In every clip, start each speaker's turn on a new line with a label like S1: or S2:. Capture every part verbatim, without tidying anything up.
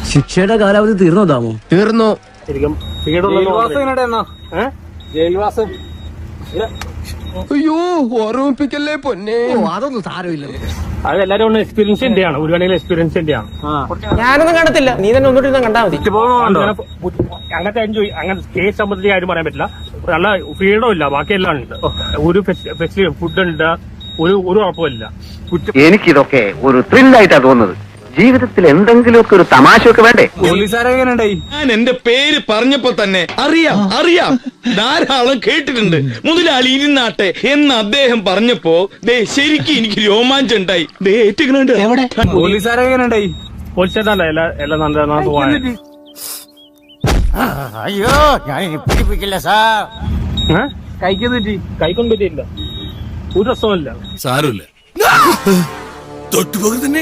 S1: ശിക്ഷയുടെ കാലാവധി തീർന്നോ താമോ?
S2: തീർന്നു.
S3: ശരിക്കും ജയിൽവാസം
S2: അയ്യോ ഓർമ്മിപ്പിക്കല്ലേ പൊന്നെ.
S1: അതൊന്നും സാരമില്ല.
S3: അത് എല്ലാരും എക്സ്പീരിയൻസ് ആണ്, ഒരു വേണമെങ്കിൽ എക്സ്പീരിയൻസ് ആണ്.
S4: ഞാനൊന്നും കണ്ടത്തില്ല, നീ തന്നെ ഒന്നുകൂടി കണ്ടാ മതി.
S3: അങ്ങനത്തെ എൻജോയ് അങ്ങനെ കേസ് സംബന്ധിച്ച് കാര്യം പറയാൻ പറ്റില്ല. നല്ല ഫ്രീഡം ഇല്ല, ബാക്കിയെല്ലാം ഉണ്ട്. ഒരു ഫെസിലിറ്റി ഫുഡ് ഉണ്ട്, ഒരു ഒരു കുഴപ്പമില്ല.
S5: എനിക്കിതൊക്കെ ഒരു ത്രില്ലായിട്ടാ തോന്നുന്നത്. ജീവിതത്തിൽ എന്തെങ്കിലുമൊക്കെ ഒരു തമാശയൊക്കെ വേണ്ടേ?
S6: ഞാൻ എന്റെ പേര് പറഞ്ഞപ്പോ തന്നെ അറിയാം അറിയാം ധാരാളം കേട്ടിട്ടുണ്ട്. മുതലാളി ഇരുന്നാട്ടെ എന്ന് അദ്ദേഹം പറഞ്ഞപ്പോ ദേ ശരിക്കും എനിക്ക് രോമാഞ്ചം ഉണ്ടായി. ദേ ഏറ്റുകളുണ്ട്.
S3: പോലീസുകാരെങ്ങനെയുണ്ടായി? പോലീസുകാരല്ല എല്ലാ എല്ലാം നല്ല പോവാൻ.
S4: അയ്യോ ഞാൻ പിടിപ്പിക്കില്ല സാർ.
S3: കൈക്ക് പറ്റി കൈക്കൊന്നും പറ്റിയില്ല, ഒരു രസമില്ല.
S6: സാരമില്ല, തൊട്ടുപോക തന്നെ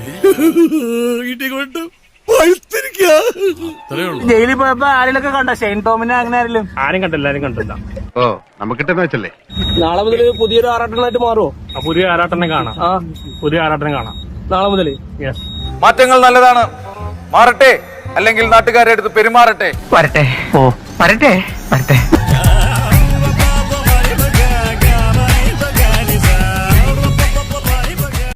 S4: ജയിലിൽ പോയപ്പോ ആരെയൊക്കെ കണ്ട ഷെയ്ൻ ടോമിനെ അങ്ങനെ ആരെങ്കിലും?
S3: ആരും കണ്ടില്ല, ആരും കണ്ടില്ല.
S5: ഓ നമുക്കിട്ടെന്ന് വെച്ചല്ലേ.
S3: നാളെ മുതൽ പുതിയൊരു ആറാട്ടനായിട്ട് മാറുമോ? പുതിയ ആറാട്ടനെ കാണാം. പുതിയ ആറാട്ടനെ കാണാം നാളെ മുതൽ. യെസ്,
S7: മാറ്റങ്ങൾ നല്ലതാണ്. മാറട്ടെ, അല്ലെങ്കിൽ നാട്ടുകാരെ അടുത്ത് പെരുമാറട്ടെ.
S4: വരട്ടെ. ഓ വരട്ടെ വരട്ടെ.